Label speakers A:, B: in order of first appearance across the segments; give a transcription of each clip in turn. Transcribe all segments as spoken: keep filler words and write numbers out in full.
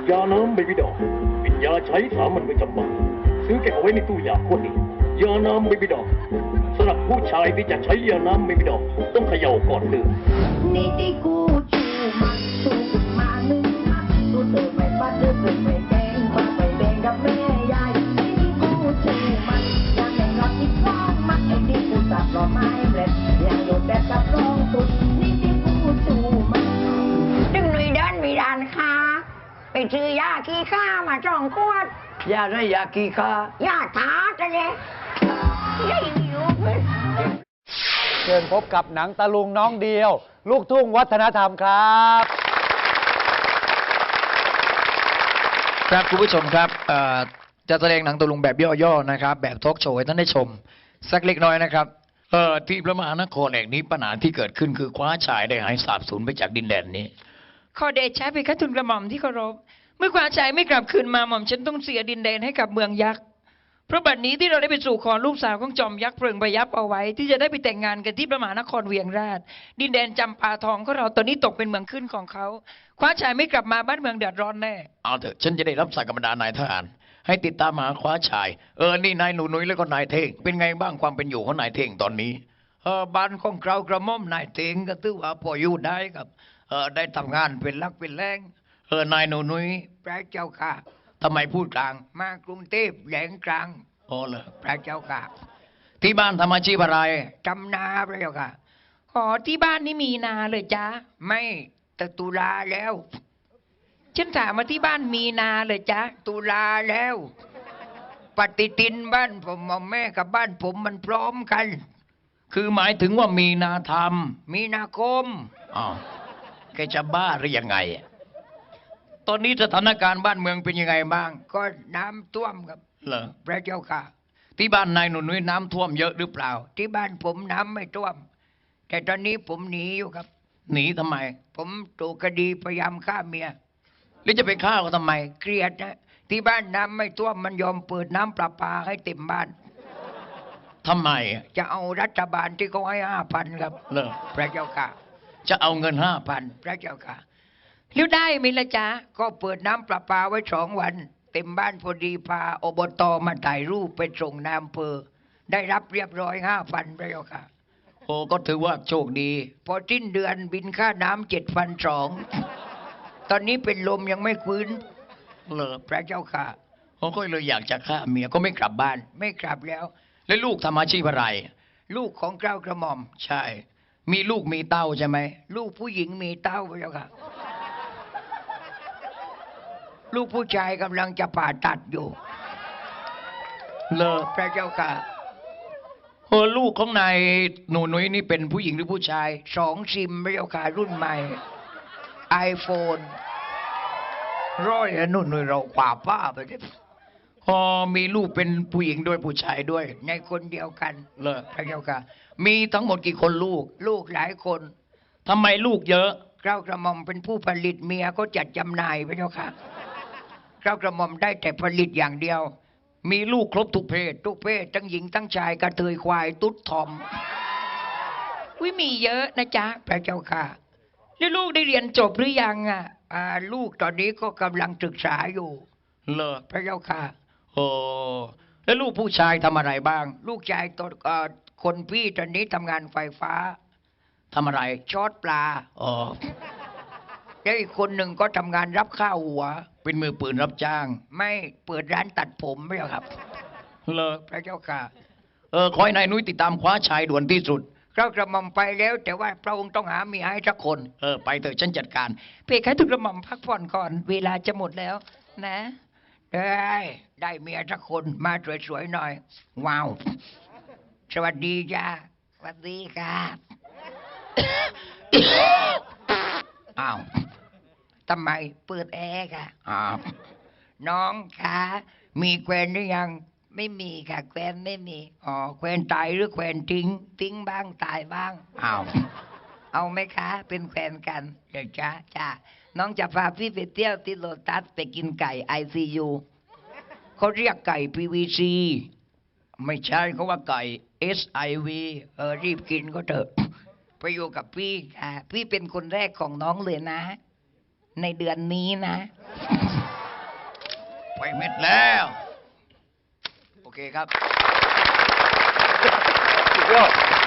A: ยาน้ำไม่พิดอกเป็นยาใช้สามัญประจำบ้านซื้อเก็บเอาไว้ในตู้ยาคนนี้ยาน้ำไม่พิดอกสำหรับผู้ชายที่จะใช้ยาน้ำไม่พิดอกต้องเขย่าก่อนดื่ม
B: นี่ที่กูจูมันจูมาหนึ่งนัดกูเติมไม่ปัดเติมไม่แดงมาไปแดงกับแม่ยายนี่ที่กูจูมันยังไม่รอดที่ท้องมันไอ้ที่กูสับรอไม้เล็ดยังอยู่แต่กับรองตุนนี่ที่กูจูมันดึงหนุ่ยเดินมีร้านค้าไปซื้อยาขี้ข้ามาสองขวด
C: ยาได้ยาขี้ข้าย
B: าท้าจะเนี่ยยายหิวเพื่อน
D: เชิญพบกับหนังตะลุงน้องเดียวลูกทุ่งวัฒนธรรมครับ
E: ครับคุณผู้ชมครับจะแสดงหนังตะลุงแบบย่อๆนะครับแบบทอล์กโชว์ให้ท่านได้ชมสักเล็กน้อยนะครับเอ่อที่พระมหานครแห่งนี้ปัญหาที่เกิดขึ้นคือคว้าชายได้หายสาบสูญไปจากดินแดนนี้
F: ขอเดชะเพคะทูลกระหม่อมที่เคารพเมื่อคว้าชายไม่กลับคืนมาหม่อมฉันต้องเสียดินแดนให้กับเมืองยักษ์เพราะบัดนี้ที่เราได้ไปสู่ขอลูกสาวของจอมยักษ์เพลิงพยับเอาไว้ที่จะได้ไปแต่งงานกันที่พระมหานครเวียงราชดินแดนจำปาทองของเราตอนนี้ตกเป็นเมืองขึ้นของเขาคว้าชายไม่กลับมาบ้านเมืองเดือดร้อนแน่
E: เอาเถอะฉันจะได้รับสั่งกำนันนายทหารให้ติดตามหาคว้าชายเออนี่นายหนูนุ้ยแล้วก็นายเท่งเป็นไงบ้างความเป็นอยู่ของนายเท่งตอนนี้เออบ้านของเรากระหม่อมนายเท่งก็ถือว่าพออยู่ได้ครับเออได้ทำงานเป็นลักเป็นแรงเออนายหนูนุ้ย
C: พระเจ้าค่ะ
E: ทำไมพูดกลาง
C: มากรุงเทพแหลงกลาง
E: โอ้เลย
C: พระเจ้าค่ะ
E: ที่บ้านทำอาชีพอะไร
C: จำนาพระเจ้าค่ะ
F: ขอที่บ้านนี่มีนาเลยจ้า
C: ไม่แต่ตุลาแล้ว
F: ฉันถามมาที่บ้านมีนาเลยจ้า
C: ตุลาแล้วปฏิทินบ้านผมแม่กับบ้านผมมันพร้อมกัน
E: คือหมายถึงว่ามีนาธรรม
C: มีนาคม
E: อ๋อแกจะบ้าหรือยังไงตอนนี้สถานการณ์บ้านเมืองเป็นยังไงบ้าง
C: ก็น้ำท่วมครับ
E: เหรอ
C: พระเจ้าค่ะ
E: ที่บ้านนายหนุ่ยน้ำท่วมเยอะหรือเปล่า
C: ที่บ้านผมน้ำไม่ท่วมแต่ตอนนี้ผมหนีอยู่ครับ
E: หนีทำไม
C: ผมถูกคดีพยายามฆ่าเมีย
E: หรือจะไปฆ่าเขาทำไม
C: เกลียดนะที่บ้านน้ำไม่ท่วมมันยอมเปิดน้ำประปาให้เต็มบ้าน
E: ทำไม
C: จะเอารัฐบาลที่เขาให้ห้าพันครับ
E: เหรอ
C: พระเจ้าค่ะ
E: จะเอาเงินห้าพัน
C: พระเจ้าค่ะ
F: แล้วได้ไหมล่ะจ๊ะ
C: ก็เปิดน้ำประปาไว้สองวันเต็มบ้านพอดีพาอบตมาถ่ายรูปไปส่งนายอำเภอได้รับเรียบร้อยห้าพันพระเจ้าค่ะ
E: โอ้ก็ถือว่าโชคดี
C: พอสิ้นเดือนบินค่าน้ำเจ็ดพันสองตอนนี้เป็นลมยังไม่ฟื้น
E: เหรอ
C: พระเจ้าค่ะ
E: ผมก็เลยอยากจะฆ่าเมียก็ไม่กลับบ้าน
C: ไม่กลับแล้ว
E: แล้วลูกทำอาชีพอะไร
C: ลูกของเกล้ากระหม่อม
E: ใช่มีลูกมีเต้าใช่ไหม
C: ลูกผู้หญิงมีเต้าพระเจ้าค่ะลูกผู้ชายกำลังจะผ่าตัดอยู่
E: เลอ
C: พระเจ้าค่ะ
E: โอ้ลูกของนายหนูนุ้ยนี่เป็นผู้หญิงหรือผู้ชาย
C: สองซิมพระเจ้าค่ะรุ่นใหม่ไอโฟนร้อยหนุ่นเราขวาป้าไปเลย
E: พอมีลูกเป็นผู้หญิงด้วยผู้ชายด้วย
C: ในคนเดียวกัน
E: เลอ
C: พระเจ้าค่ะ
E: มีทั้งหมดกี่คนลูก
C: ลูกหลายคน
E: ทำไมลูกเยอะ
C: เกล้ากระหม่อมเป็นผู้ผลิตเมียก็จัดจำหน่ายพระเจ้าค่ะเกล้ากระหม่อมได้แต่ผลิตอย่างเดียว
E: มีลูกครบทุกเพศ
C: ทุกเพศทั้งหญิงทั้งชายกระเทยควายตุ๊ดทอม
F: วิมีเยอะนะจ๊ะ
C: พระเจ้าค่ะ
F: แล้วลูกได้เรียนจบหรือยังอ่ะ
C: อ่าลูกตอนนี้ก็กำลังศึกษาอยู่
E: เหรอ
C: พระเจ้าค่ะ
E: โอ้แล้วลูกผู้ชายทำอะไรบ้าง
C: ลูกชายตัวคนพี่ตอนนี้ทำงานไฟฟ้า
E: ทำอะไร
C: ช็อตปลา
E: อ๋อ
C: แล้วอีกคนหนึ่งก็ทำงานรับข้าวหัว
E: เป็นมือปืนรับจ้าง
C: ไม่เปิดร้านตัดผมไม่หรอครับ
E: เหรอ
C: พระเจ้าค่ะ
E: เออขอให้นายนุ้ยติดตามคว้าชายด่วนที่สุด
C: เรากระหม่อมไปแล้วแต่ว่าพระองค์ต้องหาเมียให้สักคน
E: เออไปเถอะฉันจัดการ
F: เพคะถูกกระหม่อมพักผ่อนก่อนเวลาจะหมดแล้วนะ
C: ได้ได้เมียสักคนมาสวยๆหน่อยว้าวสวัสดีจ้า
F: สวัสดีครับ
C: อ้าวทำไมเปิดแอร์ค่ะอ้าวน้องคะมีแควนหรือยัง
F: ไม่มีค่ะแควนไม่มี
C: อ๋อแควนตายหรือแควนทิ้ง
F: ทิ้งบ้างตายบ้าง
C: อ้าว
F: เอาไหมคะเป็นแฟนกัน
C: เดี๋ยวจ้า
F: จ้าน้องจะพาพี่ไปเที่ยวที่โลตัสไปกินไก่ไอซียู
C: เขาเรียกไก่พีวีซี
E: ไม่ใช่เขาว่าไก่เอสไอวี
C: เออรีบกินก็เถอะไปอยู่กับพี่
F: ค่ะพี่เป็นคนแรกของน้องเลยนะในเดือนนี้นะ
E: ไปเม็ดแล้ว โอเคครับ
D: สุดยอด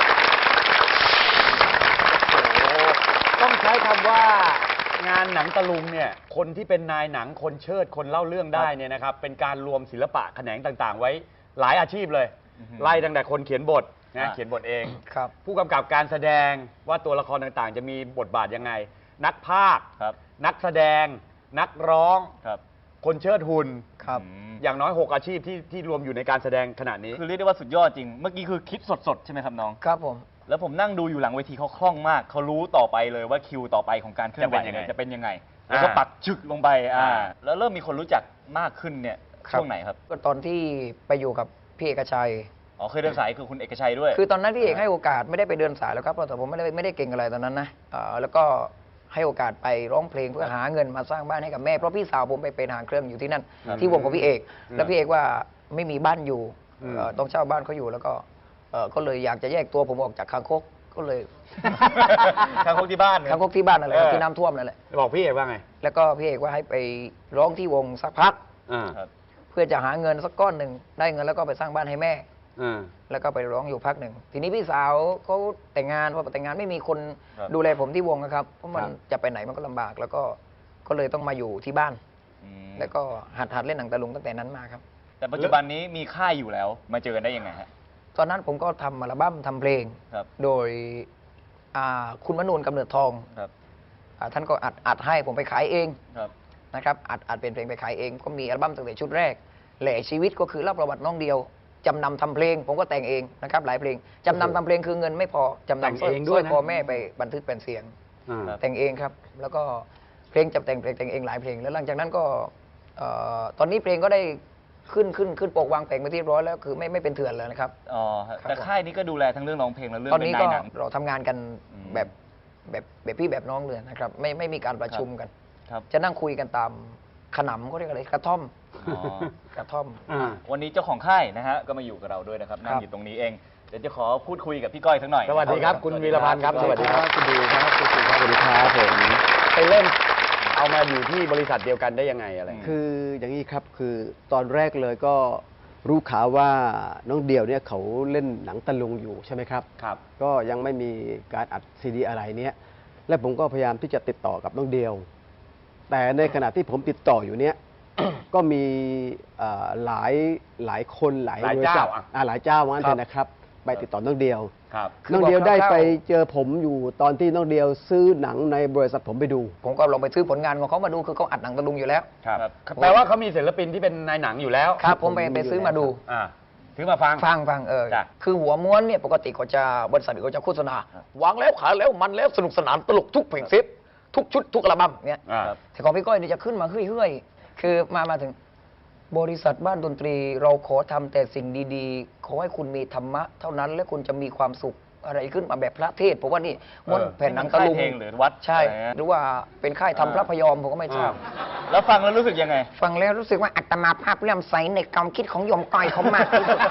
D: โอ้โหต้องใช้คำว่างานหนังตะลุงเนี่ยคนที่เป็นนายหนังคนเชิดคนเล่าเรื่องได้เนี่ยนะครับเป็นการรวมศิลปะแขนงต่างๆ ไว้หลายอาชีพเลย ไล่ตั้งแต่คนเขียนบทนะเขียนบทเอง
C: ครับ
D: ผู้กำกับการแสดงว่าตัวละครต่างๆ จะมีบทบาทยังไง นักพากย์นักแสดง นักร้องคนเชิดหุ่น
C: ครับ
D: อย่างน้อยหกอาชีพที่ที่รวมอยู่ในการแสดงขณะนี้
G: คือเรียกได้ว่าสุดยอดจริง เมื่อกี้คือคิดสดๆ ใช่ไหมครับน้อง
C: ครับผม
G: แล้วผมนั่งดูอยู่หลังเวทีเขาคล่องมาก เขารู้ต่อไปเลยว่าคิวต่อไปของการเคลื่อนไหว
D: จะเป็นยังไง
G: เนี่ยจะเป็นยังไง แล้วก็
D: อ่า
G: ปักชึกลงไปอ่า
D: อ่า
G: แล้วเริ่มมีคนรู้จักมากขึ้นเนี่ย
C: ครับ
G: ช่วงไหนครับ
C: ก็ตอนที่ไปอยู่กับพี่เอกชัย
G: อ๋อเคยเดินสายคือคุณเอกชัยด้วย
C: คือตอนนั้นพี่เอกให้โอกาสไม่ได้ไปเดินสายแล้วครับเพราะแต่ผมไม่ได้ไม่ได้เก่งอะไรตอนนั้นนะเอ่อแล้วก็ให้โอกาสไปร้องเพลงเพื่อหาเงินมาสร้างบ้านให้กับแม่เพราะพี่สาวผมไปเป็นหางเครื่องอยู่ที่นั่น
G: ครับ
C: ที่วงของพี่เอก แล้วพี่เอกว่าไม่มีบ้านอยู่
D: อืม
C: เอ่อต้องเช่าบ้านเขาอยู่แล้วก็เอ่อก็เลยอยากจะแยกตัวผมออกจากคางคกก็เลย
G: ทางพวกที่บ้านเนี่ย
C: คางคกที่บ้านนั่นแหละครับ
D: เออ
C: ที่น้ำท่วมนั่นแหละ
D: บอกพี่เอกว่าไง
C: แล้วก็พี่เอกว่าให้ไปร้องที่วงสักพัก
D: อ่า
G: ครับ
C: เพื่อจะหาเงินสักก้อนหนึ่งได้เงินแล้วก็ไปสร้างบ้านให้แม่
D: อ่า
C: แล้วก็ไปร้องอยู่พักหนึ่ง ทีนี้พี่สาวเขาแต่งงานพอแต่งงานไม่มีคน
G: ครับ
C: ดูแลผมที่วงนะครับ เพราะมัน
D: ครับ
C: จะไปไหนมันก็ลำบาก แล้วก็ก็เลยต้องมาอยู่ที่บ้าน
G: อืม
C: แล้วก็หัดหัดเล่นหนังตะลุงตั้งแต่นั้นมาครับ
G: แต่ปัจจุบันนี้มีค่ายอยู่แล้ว มาเจอกันได้ยังไงฮะ
C: ตอนนั้นผมก็ทำอัลบั้มทำเพลง
G: ครับ
C: โดยอ่าคุณมนูนกำเนิดทอง
G: ครับ
C: อ่าท่านก็อัดอัดให้ผมไปขายเอง
G: ครับ
C: นะครับอัดอัดเป็นเพลงไปขายเอง ก็มีอัลบั้มตั้งแต่ชุดแรกแหล่ชีวิตก็คือเล่าประวัติน้องเดียวจำนำทำเพลง ผมก็แต่งเองนะครับหลายเพลงจำนำทำเพลงคือเงินไม่พอจำ
D: แต่ง
C: นำสร้อย
D: เอง
C: ส
D: ด้
C: ร้
D: ว
C: อย ย
D: นะ
C: คอแม่ไปบันทึกเป็นเสียง
D: อ่า
G: ครับ
C: แต่งเองครับ แล้วก็เพลงจะแต่งเพลงแต่งเองหลายเพลง แล้วหลังจากนั้นก็เอ่อตอนนี้เพลงก็ได้ขึ้นขึ้นขึ้นปกวางแผงไปที่ร้อยแล้วคือไม่ไม่เป็นเถื่อนแล้วนะครับ
G: อ๋อครับ
C: ครับ
G: แต่ค่ายนี้ก็ดูแลทั้งเรื่องร้องเพลงและเรื่อง
C: ตอน
G: เป็น
C: นี้
G: นา
C: ก็
G: ยหนัง
C: เราทำงานกัน
G: อืม
C: แบบแบบแบบพี่แบบน้องเลยนะครับไม่ไม่มีการประชุมกัน
G: ครับ
C: จะนั่งคุยกันตามขนำเขาเรียกอะไรกระท่อม
G: อ๋อ
C: กระท่อม
D: อ่า
G: วันนี้เจ้าของค่ายนะฮะก็มาอยู่กับเราด้วยนะครับนั่ง
C: ครับ
G: อยู่ตรงนี้เอง เดี๋ยวจะขอพูดคุยกับพี่ก้อยสักหน่อย
D: สวัสดีครับ คุณวีรพันธ์ครับ สวัสดีครับ
H: คุณดีครับคุณสุครับสวัสดีครับผม
D: ไปเล่นเอามาอยู่ที่บริษัทเดียวกันได้ยังไงอะไร
H: คืออย่างนี้ครับคือตอนแรกเลยก็รู้ข่าวว่าน้องเดี่ยวเนี่ยเขาเล่นหนังตะลุงอยู่ใช่ไหมครับ
D: ครับ
H: ก็ยังไม่มีการอัดซีดีอะไรเนี้ยและผมก็พยายามที่จะติดต่อกับน้องเดียว แต่ในขณะที่ผมติดต่ออยู่เนี้ย ก็มีเอ่อหลายหลายคนหลาย
D: หลาย
H: บริษัท
D: เจ้าอะ
H: อ่าหลายเจ้าว่างั้น
C: ครั
H: เถ
C: บ
H: อะนะครับ ไปติดต่อน้องเดียว
D: ครับ
C: คือ
H: น้องเดียว
C: บอก
H: ได้
C: คร่าวๆ
H: ไปเจอผมอยู่ตอนที่น้องเดียวซื้อหนังในบริษัทผมไปดู
C: ผมก็ลองไปซื้อผลงานของเขามาดูคือเขาอัดหนังตะลุงอยู่แล้ว
D: ครับ
G: ครับ
D: แปลว่าเขามีศิลปินที่เป็นนายหนังอยู่แล้ว
C: ครับผมไปไปซื้อมาดู
D: อ่าถือมาฟัง
C: ฟังฟังเออ
D: จ้ะ
C: คือหัวม้วนเนี่ยปกติเขาจะบริษัทเขาจะโฆษณาวางแล้วขายแล้วมันแล้วสนุกสนานตลกทุกเพลงเซฟทุกชุดทุกอัลบั้มเนี่ย
D: อ่า
C: แต่ของพี่ก้อยเนี่ยจะขึ้นมาเฮ้ยๆคือมามาถึงบริษัทบ้านดนตรี เราขอทำแต่สิ่งดีๆ ขอให้คุณมีธรรมะ เท่านั้นและคุณจะมีความสุขอะไรขึ้นมาแบบพระเทศผมว่านี่ม้วน
D: เออ
C: แผ่นหนังตะลุง
G: ค่ายเพลงหรือวัด
C: ใช่
G: อะไรนะ
C: หรือว่าเป็นค่ายทำพระพยอมผมก็ไม่ทราบ
G: แล้วฟังแล้วรู้สึกยังไง
C: ฟังแล้วรู้สึกว่าอัตมาภาพเลื่อมใสในความคิดของโยมก้อยเขามากที่สุด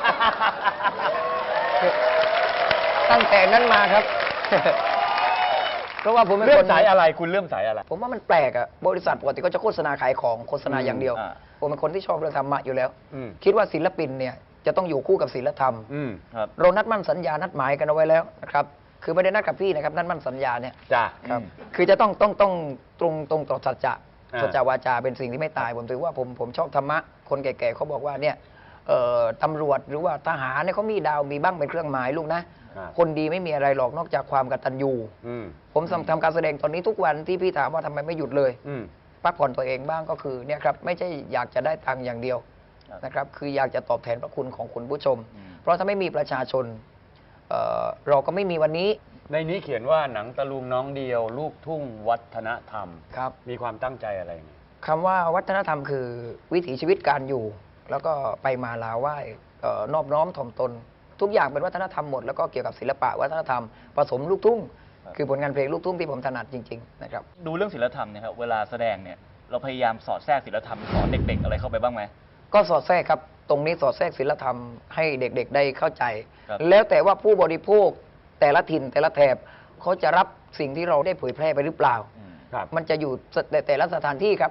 C: ตั้งแต่นั้นมาครับ เพราะว่าผมเป็น
D: เลื่อ
C: ค
D: ม
C: น
D: สายอะไรคุณเลื่อมสายอะไร
C: ผมว่ามันแปลกอะบริษัทปกติก็จะโฆษณาขายของโฆษณาอย่างเดียว
G: อ่า
C: ผมเป็นคนที่ชอบเรื่องธรรมะอยู่แล้ว
D: อืม
C: คิดว่าศิลปินเนี่ยจะต้องอยู่คู่กับศิลธรรม
D: อืม
G: ครับ
C: เรานัดมั่นสัญญานัดหมายกันเอาไว้แล้วนะครับ คือไม่ได้นัดกับพี่นะครับนัดมั่นสัญญาเนี่ย
D: จ้า
C: ครับคือจะต้องต้องต้องตรงตรงต่อสัจจะ
D: อ่า
C: สัจจวาจาเป็นสิ่งที่ไม่ตาย ผมถือว่าผมผมชอบธรรมะ คนแก่ๆเขาบอกว่าเนี่ยเอ่อตำรวจหรือว่าทหารเนี่ยเขามีดาวมีบ้างเป็นเครื่องหมายลูกนะ
D: ครับ
C: คนดีไม่มีอะไรหรอกนอกจากความกตัญญู
D: อืม
C: ผมทำทำการแสดงตอนนี้ทุกวันที่พี่ถามว่าทำไมไม่หยุดเลย
D: อืม
C: พักผ่อนตัวเองบ้างก็คือเนี่ยครับไม่ใช่อยากจะได้ตังค์อย่างเดียวนะครับคืออยากจะตอบแทนพระคุณของคุณผู้ชม
G: อืม
C: เพราะถ้าไม่มีประชาชนเอ่อเราก็ไม่มีวันนี้
D: ในนี้เขียนว่าหนังตะลุงน้องเดียว ลูกทุ่งวัฒนธรรม
C: ครับ
D: มีความตั้งใจอะไรไง
C: คำว่าวัฒนธรรมคือวิถีชีวิตการอยู่ แล้วก็ไปมาลาไหว้เอ่อนอบน้อมถ่อมตน ทุกอย่างเป็นวัฒนธรรมหมดแล้วก็เกี่ยวกับศิลปะวัฒนธรรมผสมลูกทุ่ง คือผลงานเพลงลูกทุ่งที่ผมถนัดจริงๆนะครับ
G: ดูเรื่องศิลธรรมเนี่ยครับเวลาแสดงเนี่ยเราพยายามสอดแทรกศิลธรรมสอนเด็ก ๆ อะไรเข้าไปบ้างไหม
C: ก็สอดแทรกครับ ตรงนี้สอดแทรกศิลธรรมให้เด็กๆได้เข้าใจ
G: ครับ
C: แล้วแต่ว่าผู้บริโภคแต่ละถิ่นแต่ละแถบเขาจะรับสิ่งที่เราได้เผยแพร่ไปหรือเปล่า
G: อืม
D: ครับ
C: มันจะอยู่แต่แต่ละสถานที่ครับ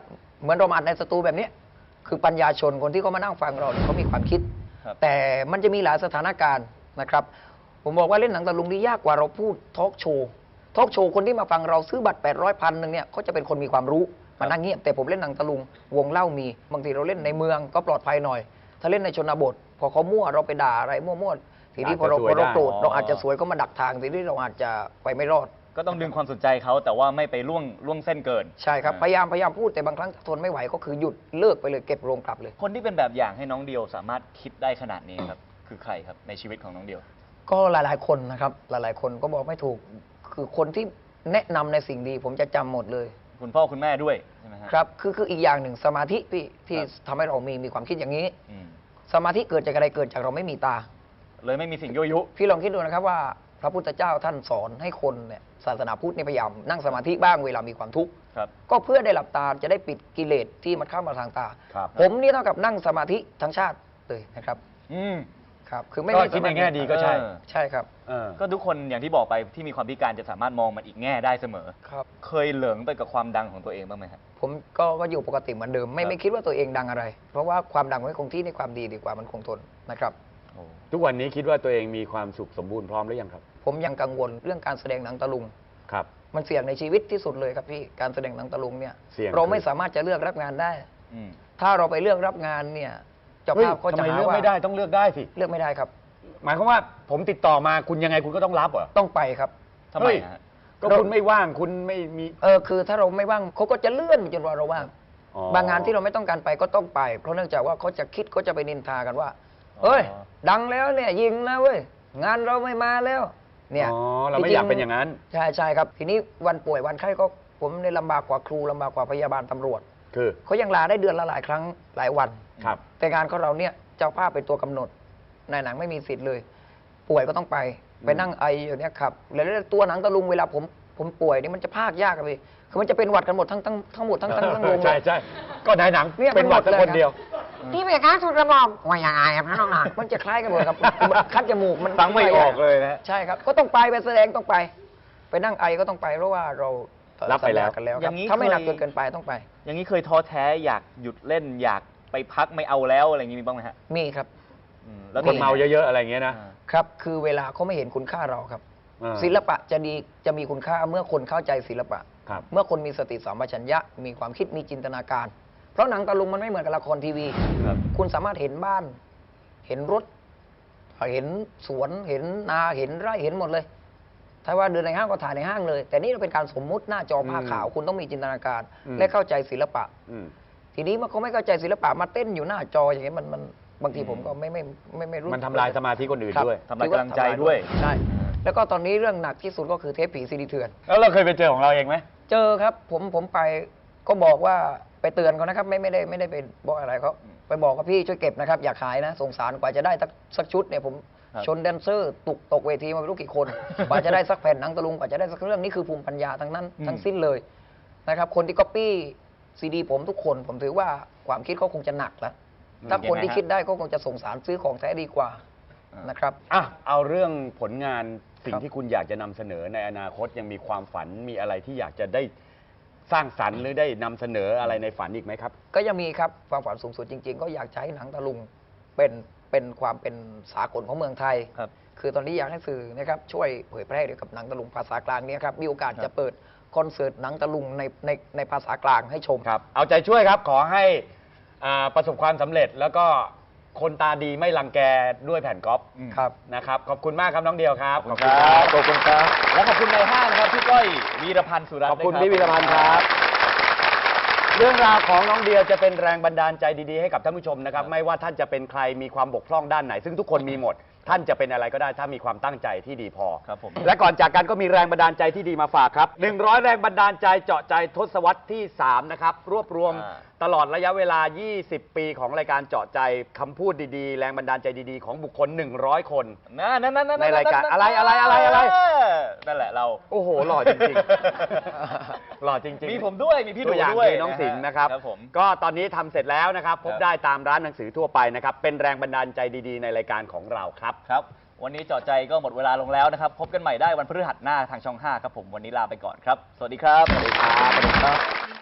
C: เหมือนเรามาอัดในสตูแบบเนี้ยคือปัญญาชนคนที่เขามานั่งฟังเราเนี่ยเขามีความคิด
G: ครับ
C: แต่มันจะมีหลายสถานการณ์นะครับ ผมบอกว่าเล่นหนังตะลุงนี่ยากกว่าเราพูดทอล์กโชว์ทอล์กโชว์คนที่มาฟังเราซื้อบัตรแปดร้อยพันหนึ่งเนี่ยเขาจะเป็นคนมีความรู้มานั่งเงียบแต่ผมเล่นหนังตะลุงวงเล่ามีบางทีเราเล่นในเมืองก็ปลอดภัยหน่อย ถ้าเล่นในชนบทพอเขามั่วเราไปด่าอะไรมั่วๆทีนี้พอเราพอเราโกรธเราอาจจะสวยก็มาดักทางทีนี้เราอาจจะไปไม่รอด
G: ก็ต้องดึงความสนใจเขาแต่ว่าไม่ไปล่วงล่วงเส้นเกิน
C: ใช่ครับพยายามพยายามพูดแต่บางครั้งทนไม่ไหวก็คือหยุดเลิกไปเลยเก็บโรงกลับเลย
G: คนที่เป็นแบบอย่างให้น้องเดียวสามารถคิดได้ขนาดนี้ครับ คือใครครับในชีวิตของน้องเดียว
C: ก็หลายๆคนนะครับหลายๆคนก็บอกไม่ถูกคือคนที่แนะนำในสิ่งดี ผมจะจำหมดเลย
G: คุณพ่อคุณแม่ด้วยใช่ไหมฮะ
C: ครับคือคืออีกอย่างหนึ่งสมาธิพี่ที่
G: ครับ
C: ทำให้เรามีมีความคิดอย่างนี้
G: อืม
C: สมาธิเกิดจากอะไรเกิดจากเราไม่มีตา
G: เลยไม่มีสิ่งยั่วยุ
C: พี่ลองคิดดูนะครับว่าพระพุทธเจ้าท่านสอนให้คนเนี่ยศาสนาพุทธเนี่ยพยายามนั่งสมาธิบ้างเวลามีความทุกข์
G: ครับ
C: ก็เพื่อได้หลับตาจะได้ปิดกิเลสที่มันเข้ามาทางตา
D: ครับ
C: ผมนี่เท่ากับนั่งสมาธิทั้งชาติเลยนะครับ
G: อืม
C: ครับคือไม่
D: ก็
C: ไม่
D: คิดใน
C: สามารถ
D: แง่ดีก็ใช่
G: เออ
C: ใช่ครับ
D: เออ
G: ก็ทุกคนอย่างที่บอกไปที่มีความพิการจะสามารถมองมันอีกแง่ได้เสมอ
C: ครับ
G: เคยเหลิงไปกับความดังของตัวเองบ้างไหมครับ
C: ผมก็ก็อยู่ปกติเหมือนเดิม ไม่
G: ครับ
C: ไม่คิดว่าตัวเองดังอะไร เพราะว่าความดังไว้คงที่ในความดีดีกว่ามันคงทนนะครับ
G: โอ้
D: ทุกวันนี้คิดว่าตัวเองมีความสุขสมบูรณ์พร้อมหรือยังครับ
C: ผมยังกังวลเรื่องการแสดงหนังตะลุง
D: ครับ
C: มันเสี่ยงในชีวิตที่สุดเลยครับพี่การแสดงหนังตะลุงเนี่ย
D: เสี่ยง
C: เราไม่
D: คือ
C: สามารถจะเลือกรับงานได้
G: อืม
C: ถ้าเราไปเลือกรับงานเนี่ยเจ้า
D: เฮ้ย
C: ภาพก็
D: ทำ
C: จะ
D: ไม
C: หา
D: เลือก
C: ว่า
D: ไม่ได้ต้องเลือกได้สิ
C: เลือกไม่ได้ครับ
D: หมายความว่าผมติดต่อมาคุณยังไงคุณก็ต้องรับเหรอ
C: ต้องไปครับ
G: ทำไม
D: เฮ้ย
G: ฮะ
D: ก็คุณไม่ว่างคุณไม่มี
C: เออคือถ้าเราไม่ว่างเขาก็จะเลื่อนจนกว่าเราว่าง
D: อ๋อบ
C: างงานที่เราไม่ต้องการไปก็ต้องไป เพราะเนื่องจากว่าเขาจะคิดเขาจะไปนินทากันว่าเฮ้ย ดังแล้วเนี่ยยิงนะเว้ยงานเราไม่มาแล้วเนี่ย
D: อ๋อเราไม่อยากเป็นอย่างนั้น
C: ใช่ใช่ครับ ทีนี้วันป่วยวันไข้ก็ผมในยลำบากกว่าครูลำบากกว่าพยาบาลตำรวจ
D: คือ
C: เขายังลาได้เดือนละหลายครั้งหลายวัน
D: ครับ
C: แต่งานของเราเนี่ยเจ้าภาพเป็นตัวกำหนดนายหนังไม่มีสิทธิ์เลย ป่วยก็ต้องไปไปนั่งไออยู่เนี่ยครับแล้วตัวหนังตะลุงเวลาผมผมป่วยนี่มันจะพากยากอะพี่คือมันจะเป็นหวัดกันหมดทั้งทั้งทั้งหมดทั้งทั้งทั้งวงเล
D: ใช่
C: ย
D: ใช่ก็นายหนัง
C: เนี่ย
D: เป็นหวัด
C: มันหมด
D: แต่คน
C: เลย
D: เดียว
B: ที่เป็นการทุนกระหม่อมว่าอย่างไรครับน้องหนัก
C: มันจะคล้ายกันหมดครับคัดจมูกมัน
D: ฟังไม่ออกเลยนะ
C: ใช่ครับ ก็ต้องไปไปแสดงต้องไป ไปนั่งไอก็ต้องไปเพราะว่าเรา
D: รับไปแล้ว
C: สัญญากันแล้วค
G: อ
C: รับ
G: ย่างนี้
C: ถ้าไม่หนัก
G: เคย
C: เกินเกินไปต้องไป
G: อย่างนี้เคยท้อแท้อยากหยุดเล่นอยากไปพักไม่เอาแล้วอะไรอย่างนี้มีบ้างไหมฮะ
C: มีครับ
G: อืม
D: แล้วคนเมาเยอะๆอะไรอย่างเงี้ยนะ
G: อ่า
C: ครับ คือเวลาเขาไม่เห็นคุณค่าเราครับ
D: อ่า
C: ศิลปะจะดีจะมีคุณค่าเมื่อคนเข้าใจศิลปะ
D: ครับ
C: เมื่อคนมีสติสัมปชัญญะ มีความคิดมีจินตนาการ เพราะหนังตะลุงมันไม่เหมือนกับละครทีวี
G: ครับ
C: คุณสามารถเห็นบ้าน เห็นรถ เห็นสวน เห็นนา เห็นไร่ เห็นหมดเลย ถ้าว่าเดินในห้างก็ถ่ายในห้างเลย แต่นี่เราเป็นการสมมุติหน้าจอผ้า
D: อืม
C: ขาว คุณต้องมีจินตนาการ
D: อืม
C: และเข้าใจศิลปะ
D: อืม
C: ทีนี้มันเขาไม่เข้าใจศิลปะมาเต้นอยู่หน้าจออย่างเงี้ยมันมันบางทีผมก็ไม่ไม่ไม่ไม่รู้
D: มันทำลายสมาธิคนอื่น
C: ครับ
D: ด้วย
G: ทำลายกำลังใจด้วย
C: ใช่ แล้วก็ตอนนี้เรื่องหนักที่สุดก็คือเทปผีซีดีเถื่อน
D: แล้วเราเคยไปเจอของเราเองไหม
C: เจอครับผมผมไปก็บอกว่าไปเตือนเขานะครับ ไม่ไม่ได้ไม่ได้ไปบอกอะไรเขาไปบอกกับพี่ช่วยเก็บนะครับ อย่าขายนะ สงสารกว่าจะได้สักสักชุดเนี่ยผม
G: ครับ
C: ชนแดนเซอร์ตกตกเวทีมาไม่รู้กี่คน กว่าจะได้สักแผ่นหนังตะลุงกว่าจะได้สักเรื่องนี่คือภูมิปัญญาทั้งนั้นทั้งสิ้นเลยนะครับ คนที่ก๊อปปี้ซีดีผมทุกคนผมถือว่าความคิดเขาคงจะหนักแล้วถ้าคนที่คิดได้ก็คงจะสงสารซื้อของแท้ดีกว่านะครับ
D: อ่ะเอาเรื่องผลงานสิ่ง
C: ครับ
D: ที่คุณอยากจะนำเสนอในอนาคตยังมีความฝันมีอะไรที่อยากจะได้สร้างสรรค์หรือได้นำเสนออะไรในฝันอีกไหมครับ
C: ก็ยังมีครับความฝันสูงสุดจริง ๆ ก็อยากจะให้หนังตะลุงเป็นเป็นความเป็นสากลของเมืองไทย
G: ครับ
C: คือตอนนี้อยากให้สื่อนะครับช่วยเผยแพร่เกี่ยวกับหนังตะลุงภาษากลางเนี่ยครับมีโอกาส
G: ครับ
C: จะเปิดคอนเสิร์ตหนังตะลุงในในในภาษากลางให้ชม
D: ครับ เอาใจช่วยครับ ขอให้อ่าประสบความสำเร็จแล้วก็คนตาดีไม่รังแกด้วยแผ่นก๊อฟ
G: อืม
C: ครับ
D: นะครับ ขอบคุณมากครับน้องเดียวครับ
G: ขอบคุณครับขอบคุณครับ และขอบคุณในห้างนะครับพี่ก้อยวีรพันธ์สุรัตน์
D: ขอบคุณ
G: นะ
D: พี่วีรพันธ์ครับ เรื่องราวของน้องเดียจะเป็นแรงบันดาลใจดีๆให้กับท่านผู้ชมนะครับ ไม่ว่าท่านจะเป็นใครมีความบกพร่องด้านไหน ซึ่งทุกคนมีหมด ท่านจะเป็นอะไรก็ได้ถ้ามีความตั้งใจที่ดีพอ
G: ครับผม
D: และก่อนจากกันก็มีแรงบันดาลใจที่ดีมาฝากครับหนึ่งร้อยแรงบันดาลใจเจาะใจทศวรรษที่สามนะครับรวบรวม
G: อ่า
D: ตลอดระยะเวลา ยี่สิบ ปีของรายการเจาะใจคำพูดดีๆ แรงบันดาลใจดีๆ ของบุคคล หนึ่งร้อย คน
G: นั่นนั่นนั่น
D: ในรายการอะไรอะไรอะไรอะไร
G: นั่นแหละเรา
D: โอ้โหหล่อจริงๆ หล่อจริงๆ
G: มีผมด้วยมีพี่
D: ตั
G: ดู
D: วอย่าง
G: ด้วย
D: คือน้องสิงห์นะครับ
G: ครับผม
D: ก็ตอนนี้ทำเสร็จแล้วนะครับ พบ
G: ครับ
D: ได้ตามร้านหนังสือทั่วไปนะครับ เป็นแรงบันดาลใจดีๆ ในรายการของเราครับ
G: ครับ วันนี้เจาะใจก็หมดเวลาลงแล้วนะครับ พบกันใหม่ได้วันพฤหัสหน้าทางช่องห้าครับผม วันนี้ลาไปก่อนครับ สวัสดีครับ
D: สวัสดีครับสวัสดีครับ